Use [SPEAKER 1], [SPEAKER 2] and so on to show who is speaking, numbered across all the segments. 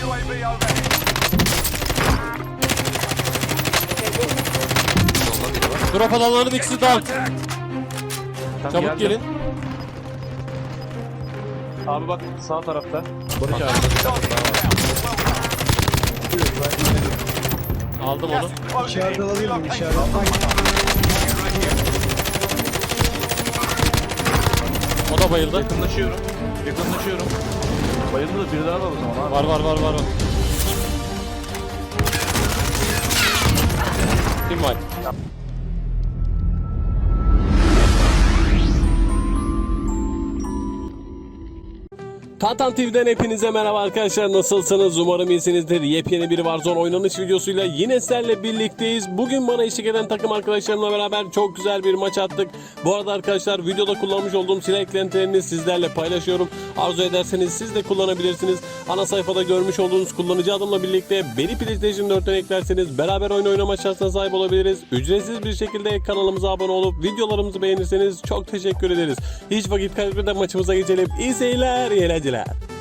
[SPEAKER 1] Drop alanların ikisi down. Çabuk gelin.
[SPEAKER 2] Abi bak sağ tarafta. Barış abi.
[SPEAKER 1] Aldım onu.
[SPEAKER 3] İçeride alabilir miyim? İçeride.
[SPEAKER 1] O da bayıldı.
[SPEAKER 2] Yakınlaşıyorum. Bayıldı da biri daha var o zaman abi.
[SPEAKER 1] Var. Kim var? Tantan TV'den hepinize merhaba arkadaşlar, nasılsınız? Umarım iyisinizdir. Yepyeni bir Warzone oynanış videosuyla yine sizlerle birlikteyiz. Bugün bana eşlik eden takım arkadaşlarımla beraber çok güzel bir maç attık. Bu arada arkadaşlar, videoda kullanmış olduğum silah eklentilerini sizlerle paylaşıyorum. Arzu ederseniz siz de kullanabilirsiniz. Ana sayfada görmüş olduğunuz kullanıcı adımla birlikte beni PlayStation 4'ten eklerseniz beraber oyun oynama şansına sahip olabiliriz. Ücretsiz bir şekilde kanalımıza abone olup videolarımızı beğenirseniz çok teşekkür ederiz. Hiç vakit kaybetmeden maçımıza geçelim. İyi seyirler, iyi eğlenceler.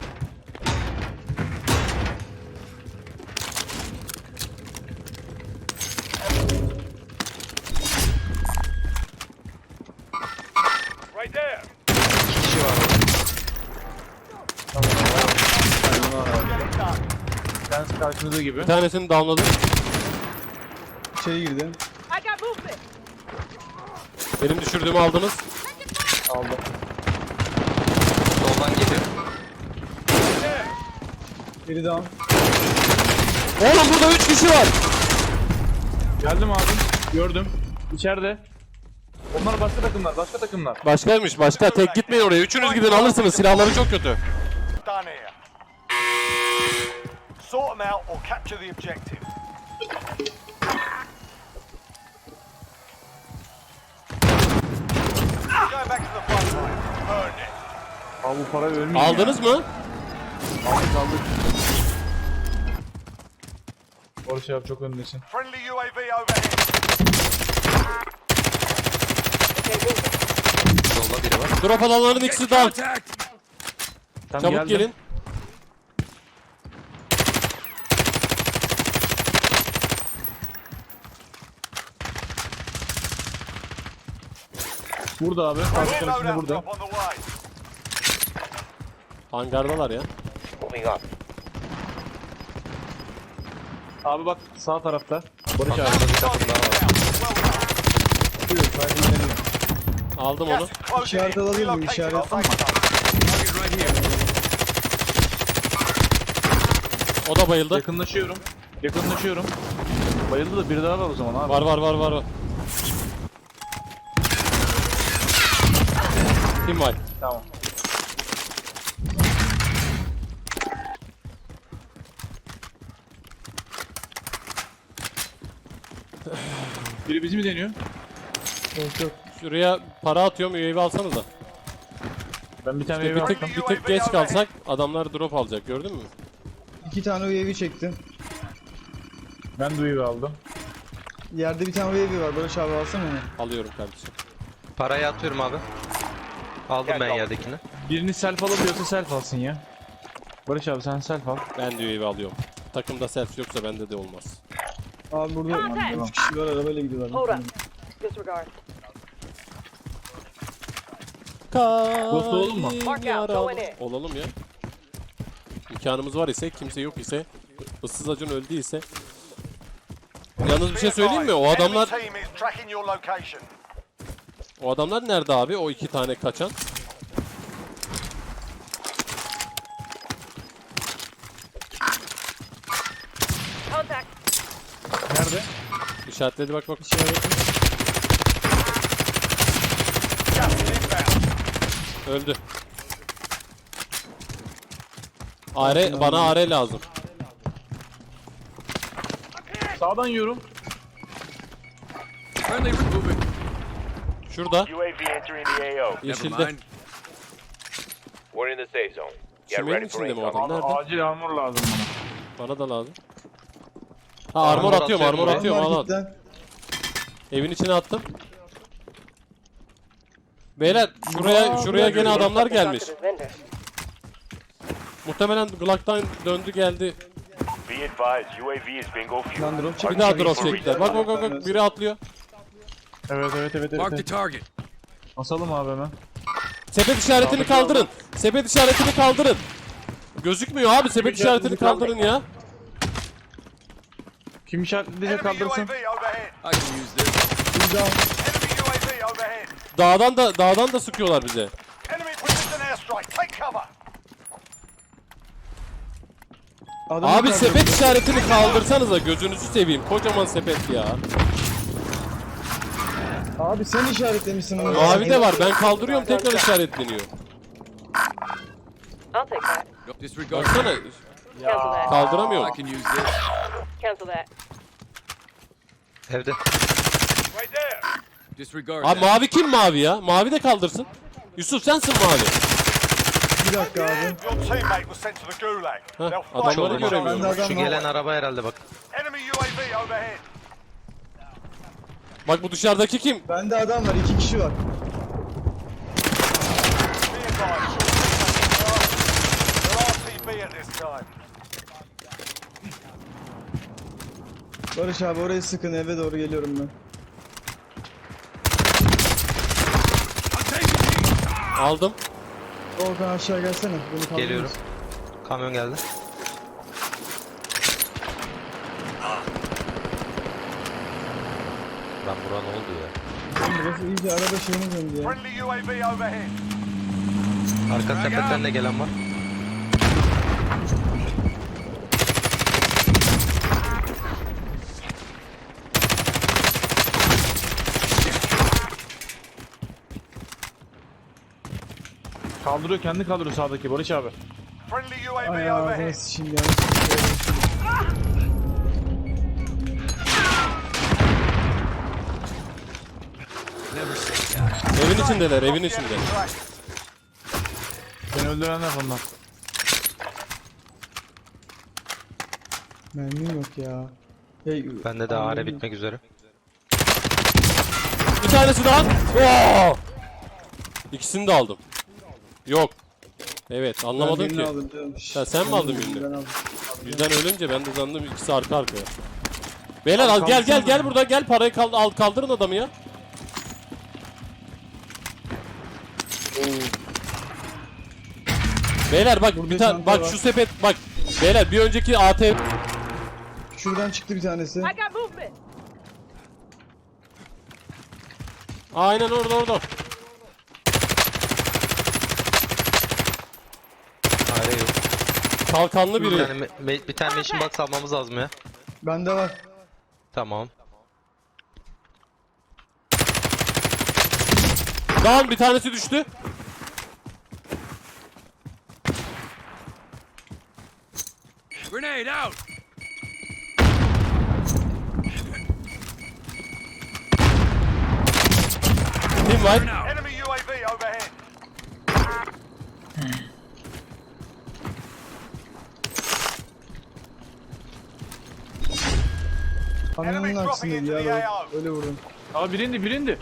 [SPEAKER 4] Right there.
[SPEAKER 2] Kendisi karşınızda gibi.
[SPEAKER 1] Bir tanesini downladım.
[SPEAKER 3] İçeri girdi.
[SPEAKER 4] I got movement.
[SPEAKER 1] Benim düşürdüğümü aldınız.
[SPEAKER 2] Aldım.
[SPEAKER 5] Soldan geliyor.
[SPEAKER 3] Biri down.
[SPEAKER 1] Oğlum burada 3 kişi var.
[SPEAKER 2] Geldim abi. Gördüm. İçeride. Onlar başka takımlar.
[SPEAKER 1] Başkaymış, başka. Tek gitmeyin oraya. Üçünüz gidin, alırsınız. Silahları çok kötü.
[SPEAKER 4] Done here. Sort them out or capture the objective. Going back to the front line. Burn it.
[SPEAKER 2] Abi bu para ölmüyor.
[SPEAKER 1] Aldınız mı?
[SPEAKER 2] Aldık. Barış abi çok öndesin.
[SPEAKER 4] Friendly UAV overhead.
[SPEAKER 5] Solda biri var.
[SPEAKER 1] Drop alanların ikisi down.
[SPEAKER 2] Tam
[SPEAKER 1] Çabuk
[SPEAKER 2] geldim.
[SPEAKER 1] gelin.
[SPEAKER 2] Burada abi. Karşı
[SPEAKER 4] Reload
[SPEAKER 2] tarafında
[SPEAKER 4] out
[SPEAKER 2] burada.
[SPEAKER 4] drop on the way.
[SPEAKER 1] Hangardalar ya.
[SPEAKER 2] Abi bak sağ tarafta. Barış abi.
[SPEAKER 5] Arkada bir takım daha var.
[SPEAKER 2] Buyur, ben dinleniyorum.
[SPEAKER 1] Aldım onu.
[SPEAKER 4] Gas is closing
[SPEAKER 3] İçeride
[SPEAKER 4] in.
[SPEAKER 3] alabilir miyim?
[SPEAKER 4] Relocating
[SPEAKER 3] İçeride
[SPEAKER 4] our safe zone.
[SPEAKER 1] O da bayıldı.
[SPEAKER 2] Yakınlaşıyorum. Bayıldı da biri daha var o zaman abi.
[SPEAKER 1] Var. Kim var?
[SPEAKER 2] Tamam. Biri bizi mi deniyor?
[SPEAKER 3] Yok.
[SPEAKER 1] Şuraya para atıyorum, UAV alsanıza.
[SPEAKER 2] Ben bir tane
[SPEAKER 1] Bir
[SPEAKER 2] eve
[SPEAKER 1] tık,
[SPEAKER 2] attım.
[SPEAKER 1] bir tık geç kalsak adamlar drop alacak, gördün mü?
[SPEAKER 3] 2 tane UAV çektim.
[SPEAKER 2] Ben de eve aldım.
[SPEAKER 3] Yerde bir tane UAV var. Barış abi alsana onu.
[SPEAKER 1] Alıyorum kardeşim.
[SPEAKER 5] Parayı atıyorum abi. Aldım ben yerdekini.
[SPEAKER 2] Birini self alabiliyorsa self alsın ya. Barış abi sen self al.
[SPEAKER 1] Ben de UAV alıyorum. Takımda self yoksa bende de olmaz.
[SPEAKER 3] Abi burada 3 kişi var, arabayla gidiyorlar.
[SPEAKER 6] Hold up. Disregard.
[SPEAKER 2] Ghost olalım mı?
[SPEAKER 6] Mark out, go in it.
[SPEAKER 1] Olalım ya. İmkanımız var ise, kimse yok ise, ıssız acın öldü ise. Yalnız bir şey söyleyeyim mi? O adamlar,
[SPEAKER 4] Enemy team is tracking your location.
[SPEAKER 1] o adamlar nerede abi? O 2 tane kaçan.
[SPEAKER 6] Contact.
[SPEAKER 2] Nerede?
[SPEAKER 1] İşaretledi, bak.
[SPEAKER 4] Gas is inbound.
[SPEAKER 1] Öldü. Bana AR lazım.
[SPEAKER 2] Sağdan yiyorum.
[SPEAKER 1] Şurada.
[SPEAKER 4] UAV entering the AO.
[SPEAKER 1] Yeşilde.
[SPEAKER 4] We're in the safe zone.
[SPEAKER 1] Çimenin içinde mi o adam?
[SPEAKER 2] Abi,
[SPEAKER 1] Nerede?
[SPEAKER 2] acil armor lazım bana.
[SPEAKER 1] Bana da lazım. Ha, armor atıyorum, armor
[SPEAKER 5] atıyorum
[SPEAKER 1] atıyorum. Al al.
[SPEAKER 3] Marketten.
[SPEAKER 1] Evin içine attım. Beyler şuraya gene adamlar gelmiş.
[SPEAKER 6] Talk to this vendor.
[SPEAKER 1] Muhtemelen Glock'tan döndü geldi.
[SPEAKER 4] Be advised, UAV is bingo fuel.
[SPEAKER 3] Lan drop çek.
[SPEAKER 1] Bir daha drop çektiler. Bak bak bak bak. Biri atlıyor.
[SPEAKER 2] Evet.
[SPEAKER 7] Mark the target.
[SPEAKER 2] Basalım abi hemen.
[SPEAKER 1] Sepet işaretini kaldırın. Sepet işaretini kaldırın. Gözükmüyor abi. Sepet işaretini kaldırın ya.
[SPEAKER 2] Kim işaretleyecek
[SPEAKER 4] Enemy
[SPEAKER 2] kaldırsın.
[SPEAKER 4] UAV overhead.
[SPEAKER 7] I can use this.
[SPEAKER 3] Bir daha.
[SPEAKER 4] Enemy UAV overhead.
[SPEAKER 1] Dağdan da sıkıyorlar bize.
[SPEAKER 4] Enemy precision airstrike. Take cover.
[SPEAKER 3] Adamı
[SPEAKER 1] Abi
[SPEAKER 3] kaldırdı.
[SPEAKER 1] sepet işaretini kaldırsanıza, gözünüzü seveyim. Kocaman sepet ya.
[SPEAKER 3] Abi sen işaretlemişsin onu.
[SPEAKER 1] Mavi de var. Ben kaldırıyorum, tekrar işaretleniyor.
[SPEAKER 6] I'll take that.
[SPEAKER 7] Disregard.
[SPEAKER 1] Baksana.
[SPEAKER 6] Cancel that.
[SPEAKER 7] I
[SPEAKER 1] Kaldıramıyorum.
[SPEAKER 7] can use this.
[SPEAKER 6] Cancel that.
[SPEAKER 5] Evde.
[SPEAKER 4] Right there.
[SPEAKER 7] Disregard
[SPEAKER 1] Abi
[SPEAKER 7] that.
[SPEAKER 1] mavi kim mavi ya? Mavi de kaldırsın. Yusuf sensin mavi.
[SPEAKER 3] Bir dakika abi.
[SPEAKER 4] Your teammate was sent to the gulag. They'll fight
[SPEAKER 1] adamları
[SPEAKER 4] for it.
[SPEAKER 1] göremiyorum.
[SPEAKER 3] Ben de adam
[SPEAKER 5] Şu
[SPEAKER 3] var.
[SPEAKER 5] gelen araba herhalde bak.
[SPEAKER 4] Enemy UAV overhead.
[SPEAKER 1] Bak bu dışarıdaki kim?
[SPEAKER 3] Bende adam var. 2 kişi var.
[SPEAKER 4] Be advised, your teammate. They're RTB at this time.
[SPEAKER 3] Barış abi orayı sıkın, eve doğru geliyorum ben.
[SPEAKER 1] Aldım.
[SPEAKER 3] Volkan aşağı gelsene. Bunu kaldırırız.
[SPEAKER 5] Geliyorum. Kamyon geldi. Lan bura ne oldu ya?
[SPEAKER 3] Oğlum burası iyice araba şeyine döndü ya.
[SPEAKER 4] Friendly UAV overhead.
[SPEAKER 5] Arka sepetten de gelen var.
[SPEAKER 2] Kaldırıyor, kendi kaldırıyor sağdaki Barış abi.
[SPEAKER 4] Friendly UAV
[SPEAKER 3] Ay ağzına
[SPEAKER 4] overhead.
[SPEAKER 3] sıçayım ya.
[SPEAKER 1] Evin içindeler, evin içinde.
[SPEAKER 2] Beni öldürenler bunlar.
[SPEAKER 3] Mermim yok ya. Hey,
[SPEAKER 5] Bende de AR bitmek üzere.
[SPEAKER 1] Bir tanesi daha. Oo! İkisini de aldım. Yok. Evet, anlamadım ki. Ha, sen mi aldın birini?
[SPEAKER 3] Ben aldım.
[SPEAKER 1] Birden ölünce ben de zannedim ikisi arka arkaya. Beyler al gel burada gel, parayı kaldırın adamı ya. Beyler bak
[SPEAKER 3] Burada
[SPEAKER 1] bir tane
[SPEAKER 3] çanta
[SPEAKER 1] bak
[SPEAKER 3] var.
[SPEAKER 1] şu sepet bak. Beyler bir önceki AT
[SPEAKER 3] Şuradan çıktı bir tanesi.
[SPEAKER 6] I got movement.
[SPEAKER 1] aynen orada.
[SPEAKER 5] AR yok.
[SPEAKER 1] Kalkanlı
[SPEAKER 5] Bir
[SPEAKER 1] biri.
[SPEAKER 5] tane, bir tane machine box almamız lazım ya.
[SPEAKER 3] Bende var.
[SPEAKER 5] Tamam.
[SPEAKER 1] Dağın bir tanesi düştü.
[SPEAKER 7] Grenade out.
[SPEAKER 1] Kim var?
[SPEAKER 4] Enemy UAV overhead.
[SPEAKER 3] Kamyonun aksindeydi ya. Böyle, öyle vurdum.
[SPEAKER 2] Abi birindi.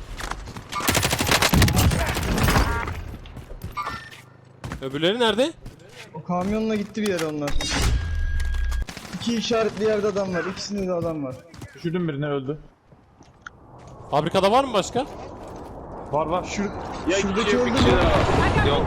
[SPEAKER 1] Öbürleri nerede?
[SPEAKER 3] O kamyonla gitti bir yere onlar. 2 işaretli yerde adam var. İkisinde de adam var.
[SPEAKER 2] Düşürdüm birini, öldü.
[SPEAKER 1] Fabrikada var mı başka?
[SPEAKER 2] Var.
[SPEAKER 3] Şuradaki öldü mü?
[SPEAKER 5] Yok.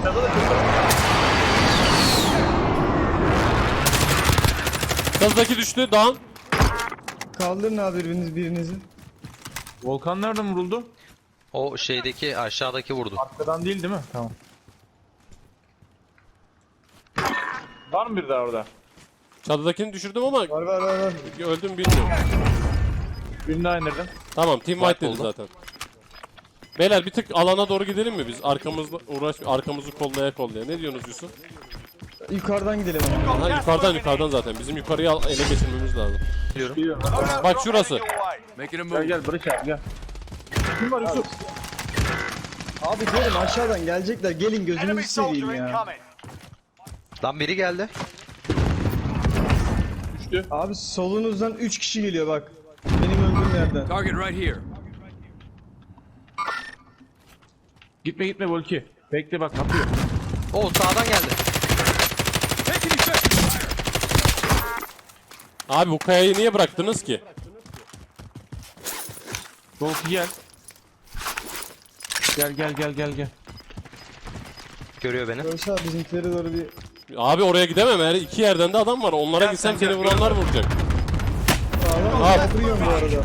[SPEAKER 1] Kızdaki düştü. Dağın.
[SPEAKER 3] Kaldırın abi birinizi.
[SPEAKER 2] Volkan nereden vuruldu?
[SPEAKER 5] O şeydeki aşağıdaki vurdu.
[SPEAKER 2] Arkadan değil mi? Tamam. Var mı bir daha orada?
[SPEAKER 1] Çatıdakini düşürdüm ama
[SPEAKER 3] Var.
[SPEAKER 1] öldüm bilmiyorum.
[SPEAKER 2] Birini daha indirdim.
[SPEAKER 1] Tamam, team white dedi
[SPEAKER 5] oldu.
[SPEAKER 1] zaten. Beyler bir tık alana doğru gidelim mi biz? Arkamızı kollaya. Ne diyorsunuz Yusuf?
[SPEAKER 3] Yukarıdan gidelim.
[SPEAKER 1] Ha, yukarıdan zaten. Bizim yukarıya ele geçirmemiz lazım.
[SPEAKER 2] Biliyorum.
[SPEAKER 1] Bak şurası.
[SPEAKER 7] Making a move.
[SPEAKER 2] Gel Barış abi gel. Kim var Yusuf?
[SPEAKER 3] Abi diyorum aşağıdan gelecekler. Gelin
[SPEAKER 4] Enemy
[SPEAKER 3] gözünüzü
[SPEAKER 4] soldier
[SPEAKER 3] seveyim ya.
[SPEAKER 4] incoming.
[SPEAKER 5] Lan biri geldi.
[SPEAKER 2] Düştü.
[SPEAKER 3] Abi solunuzdan 3 kişi geliyor bak. Benim öldüğüm yerden.
[SPEAKER 7] Target right here.
[SPEAKER 2] Gitme Volki. Bekle bak kapıyor.
[SPEAKER 5] O sağdan geldi.
[SPEAKER 7] Taking effective fire.
[SPEAKER 1] Abi bu kayayı niye bıraktınız ki?
[SPEAKER 2] Dolki gel. Gel.
[SPEAKER 5] Görüyor beni.
[SPEAKER 3] Barış abi bizimkileri doğru bir...
[SPEAKER 1] Abi oraya gidemem. Her iki yerden de adam var. Onlara gitsem seni vuranlar vuracak.
[SPEAKER 3] Abi vuruyorum bu arada.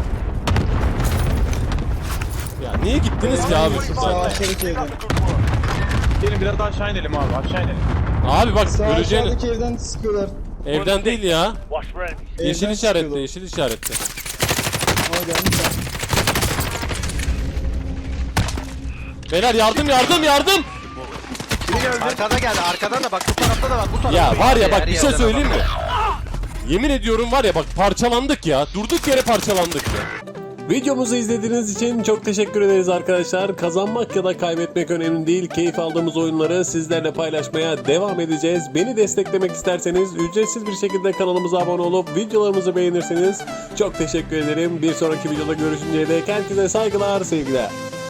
[SPEAKER 1] Ya niye gittiniz ki abi
[SPEAKER 3] Sağ
[SPEAKER 1] şuradan?
[SPEAKER 3] aşağıdaki evden.
[SPEAKER 2] Gelin biraz daha aşağı inelim abi. Aşağı inelim.
[SPEAKER 1] Abi bak
[SPEAKER 3] Sağ
[SPEAKER 1] öleceğini.
[SPEAKER 3] aşağıdaki evden sıkıyorlar.
[SPEAKER 1] Evden değil ya.
[SPEAKER 4] Watch for enemies.
[SPEAKER 1] Yeşil
[SPEAKER 3] Evden
[SPEAKER 1] işaretli,
[SPEAKER 3] sıkıyorlar.
[SPEAKER 1] yeşil işaretli.
[SPEAKER 3] Aa gelmiş lan.
[SPEAKER 1] Beyler yardım.
[SPEAKER 5] Arkada geldi. Arkadan da bak. Bu tarafta da var. Bu tarafta.
[SPEAKER 1] Ya var ya bak
[SPEAKER 5] Her
[SPEAKER 1] bir şey
[SPEAKER 5] yerden
[SPEAKER 1] söyleyeyim
[SPEAKER 5] adam
[SPEAKER 1] mi? Yemin ediyorum var ya bak parçalandık ya. Durduk yere parçalandık ya. Videomuzu izlediğiniz için çok teşekkür ederiz arkadaşlar. Kazanmak ya da kaybetmek önemli değil. Keyif aldığımız oyunları sizlerle paylaşmaya devam edeceğiz. Beni desteklemek isterseniz ücretsiz bir şekilde kanalımıza abone olup videolarımızı beğenirseniz çok teşekkür ederim. Bir sonraki videoda görüşünceye dek herkese saygılar, sevgiler.